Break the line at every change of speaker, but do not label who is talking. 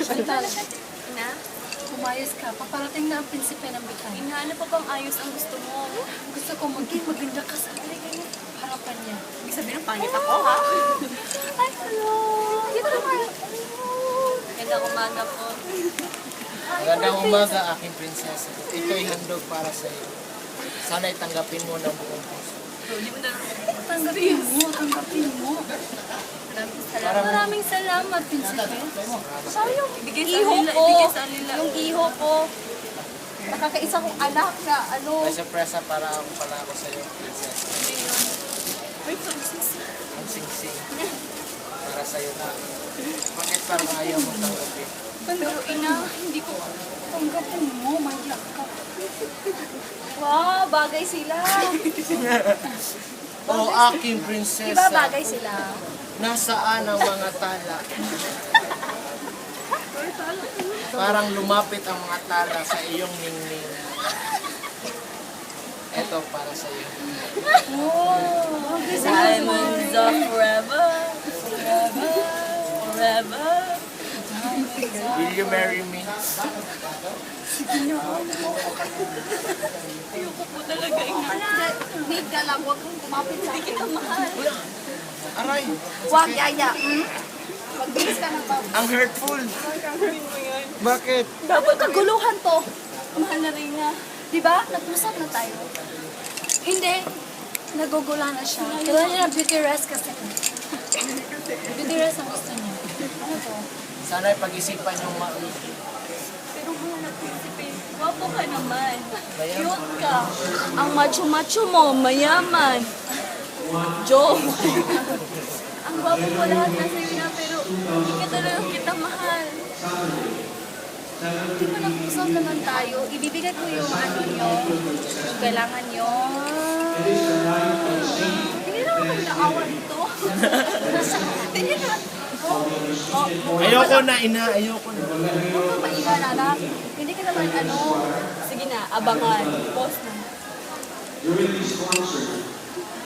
Ina?
Umayos ka. Paparating na ang prinsipe ng Bicay.
Ina, ano pa bang ayos ang gusto mo?
Gusto ko maging maganda ka sa harapan niya.
Ibig sabihin, pangit ako, ha?
Ay, hello! Dito naman.
Ganda umaga po.
Magandang umaga, aking prinsesa. Ito'y handog para sa iyo. Sana'y tanggapin mo ng buong puso.
Hindi mo na...
Tanggapin mo, tanggapin mo. Maraming salamat, prinsipe. Sayang.
Ibigay sa
Iho
nila,
ko.
ibigay sa nila.
Yung iho ko. Nakakaisa kong anak na ano.
May sorpresa para ako pala ako sa iyo, prinsesa.
Uy, princess.
Ang sing-sing. Para sa iyo na. Bakit parang ayaw mo tanggapin?
Pero ina, hindi ko tanggapin mo. Mayak ka. Wow, bagay sila.
O aking prinsesa.
Diba bagay sila?
Nasaan ang mga tala? Parang lumapit ang mga tala sa iyong ningning. Ito para sa iyo.
Oh,
Diamonds of forever. Forever. Forever.
Will you marry me?
Ayoko po talaga, ina.
Need ka lang, huwag kang kumapit sa akin.
Mahal.
Aray!
Huwag, yaya. Magbilis ka ng babo.
Ang hurtful! Bakit?
Dapat kaguluhan to. Mahal na rin nga. Diba? Nag-usap na tayo. Hindi. Nagugula na siya. Kailangan niya ng beauty rest kasi. Beauty rest ang gusto niya. Ano to?
Sana'y pag-isipan yung maigi.
Pero mahal na prinsipe. Wapo ka naman.
Mayaman.
Cute ka. Ang macho-macho mo, mayaman. Joke. Ang gwapo mo lahat na sa'yo na, pero hindi ka talaga kita mahal.
Di ba nag-usap naman tayo? Ibibigay ko yung ano nyo. Yung kailangan nyo. Hindi naman kayo naawa dito. Hindi naman.
Ayoko na, ina. Ayoko na.
Huwag kang maingan, anak. Hindi ka naman ano.
Sige na, abangan. Post na.
During these concerts,